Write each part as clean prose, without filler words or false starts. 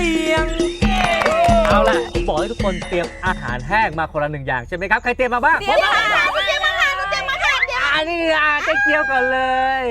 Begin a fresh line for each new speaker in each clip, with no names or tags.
สียงเอาล่ะบอกให้ทุกคนเตรียมอาหารแห้งมาคนละ1 อย่างใช่ไหมครับใครเตรียมมาบ้าง
เตรียมมาค่ะเตรียมมาค่ะเตรียมมาค่ะเดี๋ยว
อันนี้เจ๊เกียวก่อนเลย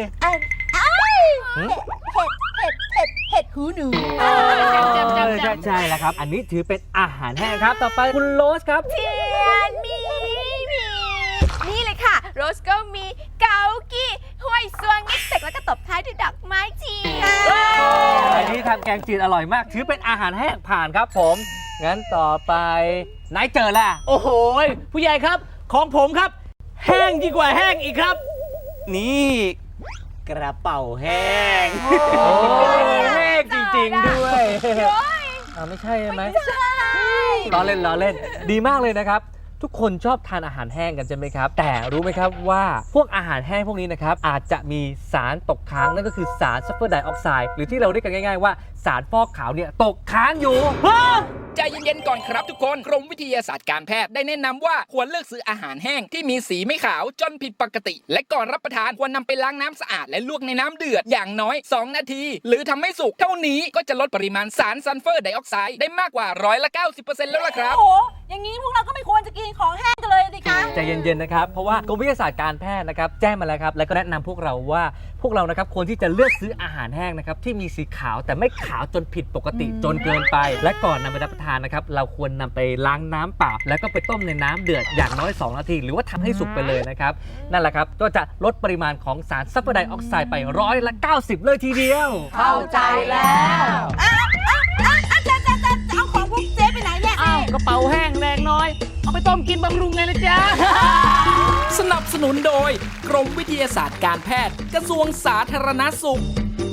เห็ดหูหนู
ใช่แล้วครับอันนี้ถือเป็นอาหารแห้งครับต่อไปคุณโรสครับ
เทียนมีนี่เลยค่ะโรสก็มีเกากี้ห้วยซวงงิกเสกแล้วก็ตบท้ายด้วยดอกไม้เทียน
อันนี้ทำแกงจืดอร่อยมากถือเป็นอาหารแห้งผ่านครับผมงั้นต่อไปนายเจอล่ะ
โอ้โหผู้ใหญ่ครับของผมครับ แห้งยิ่งกว่าแห้งอีกครับ นี่กระเป๋าแห้ง
โอ้แห้งจริงๆด้วยไม่ใช่ใช่ไหมล้อเล่นดีมากเลยนะครับทุกคนชอบทานอาหารแห้งกันใช่ไหมครับแต่รู้ไหมครับว่าพวกอาหารแห้งพวกนี้นะครับอาจจะมีสารตกค้างนั่นก็คือสารซัลเฟอร์ไดออกไซด์หรือที่เราเรียกกันง่ายๆว่าสารฟอกขาวเนี่ยตกค้างอยู่
ใจเย็นๆก่อนครับทุกคนกรมวิทยาศาสตร์การแพทย์ได้แนะนำว่าควรเลือกซื้ออาหารแห้งที่มีสีไม่ขาวจนผิดปกติ และก่อนรับประทานควรนำไปล้างน้ำสะอาดและลวกในน้ำเดือดอย่างน้อย2 นาที หรือทำให้สุกเท่านี้ก็จะลดปริมาณสารซัลเฟอร์ไดออกไซด์ได้มากกว่า90%แล้วล่ะครับ
โอ้โหอย่างนี้พวกเราก็ไม่ควรจะกินของแห้งกันเลยสิคะ
ใจเย็นๆนะครับเพราะว่ากรมวิทยาศาสตร์การแพทย์นะครับแจ้งมาแล้วครับและก็แนะนำพวกเราว่าพวกเรานะครับควรที่จะเลือกซื้ออาหารแห้งนะครับที่มีสีขาวแต่ไม่ขาวจนผิดปกติจนเกินไป และก่อนนำไปรับประทานนะครับเราควรนำไปล้างน้ำเปล่าแล้วก็ไปต้มในน้ำเดือดอย่างน้อย2 นาทีหรือว่าทำให้สุกไปเลยนะครับนั่นแหละครับก็จะลดปริมาณของสารซัลเฟอร์ไดออกไซด์ไป90%เลยทีเดียว
เข้าใจแล้วจะเอาของพวกเจ๊ไปไหนเนี่ย
อ้าวกระเป๋าแห้งแรงน้อย เอาไปต้มกินบำรุงไงล่ะจ๊ะ
สนับสนุนโดยกรมวิทยาศาสตร์การแพทย์กระทรวงสาธารณสุข